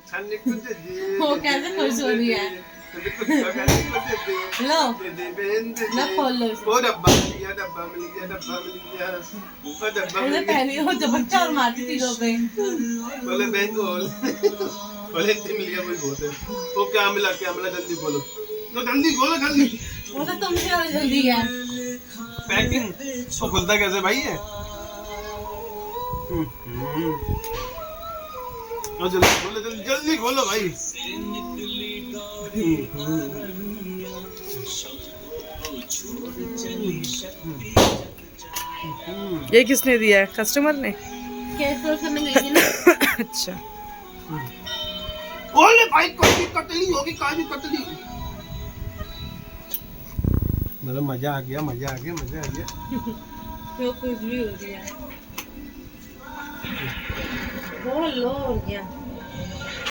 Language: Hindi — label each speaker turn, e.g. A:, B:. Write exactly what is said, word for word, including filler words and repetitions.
A: वो कैसे खुश हो रही है। लो लो खोल लो इसे।
B: वो डब्बा मिल गया, डब्बा मिल गया, डब्बा मिल गया, वो डब्बा
A: उसे
B: मिल गया।
A: पहले वो झपट्टा और मारती चीजों पे।
B: बोले बैंक खोल, बोले इतनी मिल गया कोई बहुत है। वो क्या मिला, क्या मिला, जल्दी बोलो, तो जल्दी खोलो जल्दी।
A: वो तो तुमसे ज्यादा जल्दी है।
B: पैकिंग वो खुलता कैसे भाई है? और जल्दी खोलो, जल्दी जल्दी खोलो भाई।
C: ये किसने दिया है? कस्टमर ने?
A: केस रोल करने गई थी ना।
C: अच्छा।
B: ओले भाई कोई कतली होगी, काजू कतली। मतलब मजा आ गया, मजा आ गया, मजा आ गया।
A: जो कुछ भी हो गया। बहुत लो हो गया।